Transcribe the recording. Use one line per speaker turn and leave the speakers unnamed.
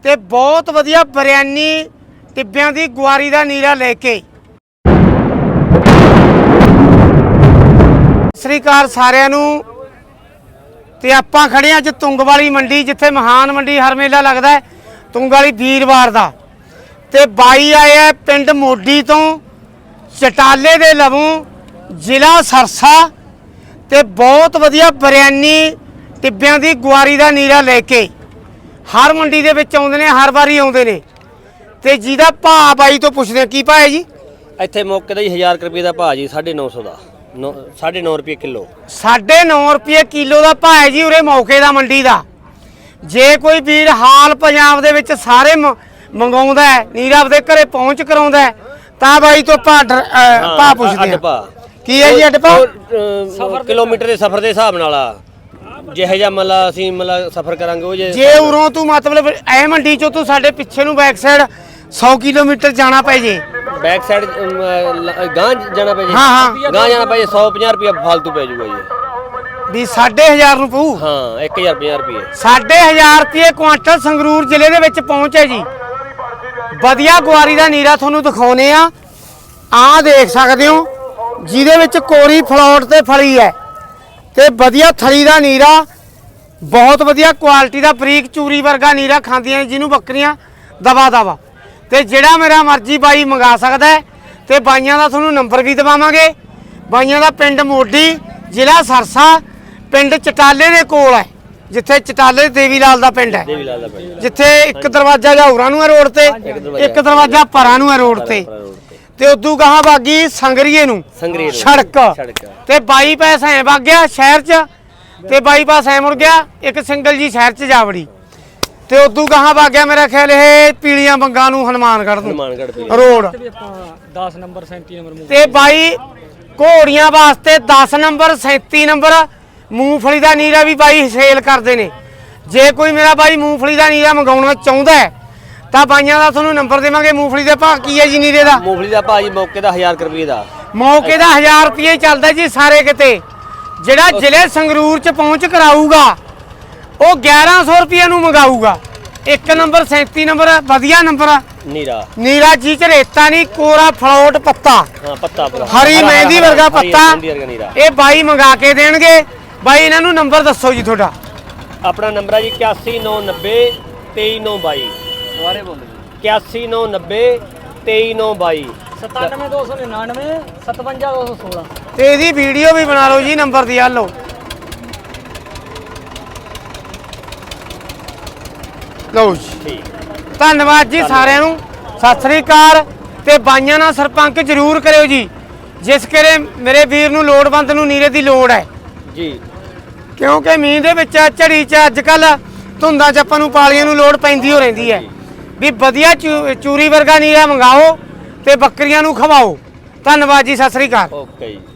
ਤੇ ਬਹੁਤ ਵਧੀਆ ਬਿਰਿਆਨੀ ਟਿੱਬਿਆਂ ਦੀ ਗੁਆਰੀ ਦਾ ਨੀਰਾ ਲੈ ਕੇ। ਸਤਿ ਸ੍ਰੀ ਅਕਾਲ ਸਾਰਿਆਂ ਨੂੰ। ਤੇ ਆਪਾਂ ਖੜੇ ਅੱਜ ਤੁੰਗ ਵਾਲੀ ਮੰਡੀ, ਜਿੱਥੇ ਮਹਾਨ ਮੰਡੀ ਹਰ ਮੇਲਾ ਲੱਗਦਾ ਹੈ ਤੁੰਗ ਵਾਲੀ ਵੀਰਵਾਰ ਦਾ। ਤੇ ਬਾਈ ਆਏ ਆ ਪਿੰਡ ਮੋਢੀ ਤੋਂ, ਚਟਾਲੇ ਦੇ ਲਵੋਂ, ਜ਼ਿਲ੍ਹਾ ਸਰਸਾ। ਤੇ ਬਹੁਤ ਵਧੀਆ ਬਿਰਿਆਨੀ ਟਿੱਬਿਆਂ ਦੀ ਗੁਆਰੀ ਦਾ ਨੀਰਾ ਲੈ ਕੇ ਹਰ ਮੰਡੀ ਦੇ ਵਿੱਚ ਆਉਂਦੇ ਨੇ, ਹਰ ਵਾਰੀ ਆਉਂਦੇ ਨੇ। ਤੇ ਜਿਹਦਾ ਭਾਅ ਬਾਈ ਤੋਂ ਪੁੱਛਦੇ ਆ, ਕੀ ਭਾਅ ਹੈ ਜੀ
ਇੱਥੇ ਮੌਕੇ ਦਾ ਜੀ 1000 ਰੁਪਏ ਦਾ ਭਾਅ ਜੀ, 950 ਦਾ 9.5 ਰੁਪਏ ਕਿਲੋ।
9.5 ਰੁਪਏ ਕਿਲੋ ਦਾ ਭਾਅ ਹੈ ਜੀ ਉਰੇ ਮੌਕੇ ਦਾ ਮੰਡੀ ਦਾ। ਜੇ ਕੋਈ ਵੀਰ ਹਾਲ ਪੰਜਾਬ ਦੇ ਵਿੱਚ ਸਾਰੇ ਮੰਗਾਉਂਦਾ ਹੈ, ਨੀਰਾ ਆਪਦੇ ਘਰੇ ਪਹੁੰਚ ਕਰਾਉਂਦਾ ਹੈ, ਤਾਂ ਬਾਈ ਤੋਂ ਭਾਅ ਪੁੱਛਦੇ ਆ। ਕੀ ਹੈ ਜੀ ਅੱਡ ਭਾਅ?
ਕਿਲੋਮੀਟਰ ਦੇ ਸਫ਼ਰ ਦੇ ਹਿਸਾਬ ਨਾਲ ਆ, ਜਿਹੇ ਜਿਹਾ ਮਤਲਬ ਅਸੀਂ ਮਤਲਬ ਸਫ਼ਰ ਕਰਾਂਗੇ ਉਹ
ਜੇ ਉਰੋਂ ਤੂੰ ਮਤਲਬ ਇਹ ਮੰਡੀ ਚੋਂ ਤੂੰ ਸਾਡੇ ਪਿੱਛੇ ਨੂੰ ਬੈਕ ਸਾਈਡ 100 ਕਿਲੋਮੀਟਰ ਜਾਣਾ ਪੈ ਜੇ,
ਬੈਕ ਸਾਈਡ ਗਾਂ ਜਾਣਾ ਪੈ ਜੇ,
ਹਾਂ
ਗਾਂ ਜਾਣਾ ਪੈ ਜੇ 150 ਰੁਪਏ ਫਾਲਤੂ ਪੈ ਜਾਊਗਾ ਜੀ।
ਵੀ 1500 ਨੂੰ ਪਊ।
ਹਾਂ 1050 ਰੁਪਏ
1500 ਰੁਪਏ ਕੁਆਂਟਲ ਸੰਗਰੂਰ ਜ਼ਿਲ੍ਹੇ ਦੇ ਵਿੱਚ ਪਹੁੰਚੇ ਜੀ। ਵਧੀਆ ਗੁਆਰੀ ਦਾ ਨੀਰਾ ਤੁਹਾਨੂੰ ਦਿਖਾਉਨੇ ਆ। ਆਹ ਦੇਖ ਸਕਦੇ ਹੋ, ਜਿਹਦੇ ਵਿੱਚ ਕੋਰੀ ਫਲੋਟ ਤੇ ਫਲੀ ਹੈ ਤੇ ਵਧੀਆ ਥਲੀ ਦਾ ਨੀਰਾ, ਬਹੁਤ ਵਧੀਆ ਕੁਆਲਿਟੀ ਦਾ ਬਰੀਕ ਚੂਰੀ ਵਰਗਾ ਨੀਰਾ ਖਾਂਦੀਆਂ ਨੇ ਜਿਹਨੂੰ ਬੱਕਰੀਆਂ ਦਵਾ ਦਵਾ। ਤੇ ਜਿਹੜਾ ਮੇਰਾ ਮਰਜ਼ੀ ਬਾਈ ਮੰਗਾ ਸਕਦਾ ਹੈ। ਤੇ ਬਾਈਆਂ ਦਾ ਤੁਹਾਨੂੰ ਨੰਬਰ ਵੀ ਦਵਾਵਾਂਗੇ। ਬਾਈਆਂ ਦਾ ਪਿੰਡ ਮੋਢੀ, ਜ਼ਿਲ੍ਹਾ ਸਰਸਾ, ਪਿੰਡ ਚਟਾਲੇ ਦੇ ਕੋਲ ਹੈ, ਜਿੱਥੇ ਚਟਾਲੇ ਦੇਵੀ ਲਾਲ ਦਾ ਪਿੰਡ ਹੈ, ਜਿੱਥੇ ਇੱਕ ਦਰਵਾਜ਼ਾ ਜਾਉਰਾਂ ਨੂੰ ਹੈ ਰੋਡ ਤੇ, ਇੱਕ ਦਰਵਾਜ਼ਾ ਪਰਾਂ ਨੂੰ ਹੈ ਰੋਡ ਤੇ। ਤੇ ਉਦੋਂ ਗਾਹਾਂ ਬਾਗੀ ਸੰਗਰੀਏ ਨੂੰ ਸੜਕ। ਤੇ ਬਾਈ ਪੈਸਾ ਐ ਵਗ ਗਿਆ ਸ਼ਹਿਰ ਚ, ਤੇ ਬਾਈ ਪਾਸ ਐ ਮੁੜ ਗਿਆ ਇੱਕ ਸਿੰਗਲ ਜੀ ਸ਼ਹਿਰ ਚ ਜਾ ਵੜੀ। ਤੇ ਉਦੋਂ ਗਾਹਾਂ ਵਗ ਗਿਆ ਮੇਰਾ ਖਿਆਲ ਇਹ ਪੀਲੀਆਂ ਬੰਗਾਂ ਨੂੰ ਹਨੂਮਾਨਗੜ੍ਹ ਨੂੰ ਰੋਡ
10 ਨੰਬਰ 37 ਨੰਬਰ।
ਤੇ ਬਾਈ ਘੋੜੀਆਂ ਵਾਸਤੇ 10 ਨੰਬਰ 37 ਨੰਬਰ ਮੂੰਗਫਲੀ ਦਾ ਨੀਰਾ ਵੀ ਬਾਈ ਸੇਲ ਕਰਦੇ ਨੇ। ਜੇ ਕੋਈ ਮੇਰਾ ਬਾਈ ਮੂੰਗਫਲੀ ਦਾ ਨੀਰਾ ਮੰਗਾਉਣਾ ਚਾਹੁੰਦਾ ਹੈ ਤਾਂ ਬਾਈਆਂ ਦਾ ਤੁਹਾਨੂੰ ਨੰਬਰ ਦੇਵਾਂਗੇ। ਮੂੰਗਫਲੀ ਦੇ ਭਾਅ ਕੀ ਹੈ ਜੀ ਨੀਰੇ ਦਾ?
ਮੂੰਗਫਲੀ ਦਾ ਭਾਅ ਜੀ ਮੌਕੇ ਦਾ 1000 ਰੁਪਏ ਦਾ,
ਮੌਕੇ ਦਾ 1000 ਰੁਪਏ ਚੱਲਦਾ ਜੀ ਸਾਰੇ ਕਿਤੇ। ਜਿਹੜਾ ਜ਼ਿਲ੍ਹੇ ਸੰਗਰੂਰ ਚ ਪਹੁੰਚ ਕਰਾਊਗਾ ਉਹ 1100 ਰੁਪਏ ਨੂੰ ਮੰਗਾਊਗਾ। 1 ਨੰਬਰ 37 ਨੰਬਰ ਵਧੀਆ ਨੰਬਰ ਨੀਰਾ ਜੀ ਚ ਰੇਤਾ ਨਹੀਂ, ਕੋਰਾ ਫਲੋਟ ਪੱਤਾ,
ਪੱਤਾ
ਹਰੀ ਮਹਿੰਦੀ ਵਰਗਾ ਪੱਤਾ। ਇਹ ਬਾਈ ਮੰਗਾ ਕੇ ਦੇਣਗੇ। ਬਾਈ ਇਹਨਾਂ ਨੂੰ ਨੰਬਰ ਦੱਸੋ ਜੀ ਤੁਹਾਡਾ।
ਆਪਣਾ ਨੰਬਰ ਹੈ ਜੀ 8190 23922। ਦੁਬਾਰੇ ਬੋਲੋ ਜੀ 8190 23922।
97299 57216।
ਤੇ ਇਹਦੀ ਵੀਡੀਓ ਵੀ ਬਣਾ ਲਓ ਜੀ ਨੰਬਰ ਦੀ। ਆ ਲਓ ਲਓ ਜੀ। ਧੰਨਵਾਦ ਜੀ ਸਾਰਿਆਂ ਨੂੰ, ਸਤਿ ਸ੍ਰੀ ਅਕਾਲ। ਤੇ ਬਾਈਆਂ ਨਾਲ ਸਰਪੰਚ ਜ਼ਰੂਰ ਕਰਿਓ ਜੀ, ਜਿਸ ਕਰੇ ਮੇਰੇ ਵੀਰ ਨੂੰ ਲੋੜਵੰਦ ਨੂੰ ਨੀਰੇ ਦੀ ਲੋੜ ਹੈ
ਜੀ।
ਕਿਉਂਕਿ ਮੀਂਹ ਦੇ ਵਿੱਚ ਝੜੀ ਚ ਅੱਜ ਕੱਲ ਧੁੰਦਾਂ ਚ ਆਪਾਂ ਨੂੰ ਪਾਲੀਆਂ ਨੂੰ ਲੋੜ ਪੈਂਦੀ ਹੋ ਰਹਿੰਦੀ ਹੈ। ਵੀ ਵਧੀਆ ਚੂਰੀ ਵਰਗਾ ਨੀਰਾ ਮੰਗਾਓ ਤੇ ਬੱਕਰੀਆਂ ਨੂੰ ਖਵਾਓ। ਧੰਨਵਾਦ ਜੀ, ਸਤਿ ਸ੍ਰੀ ਅਕਾਲ।
ਓਕੇ ਜੀ।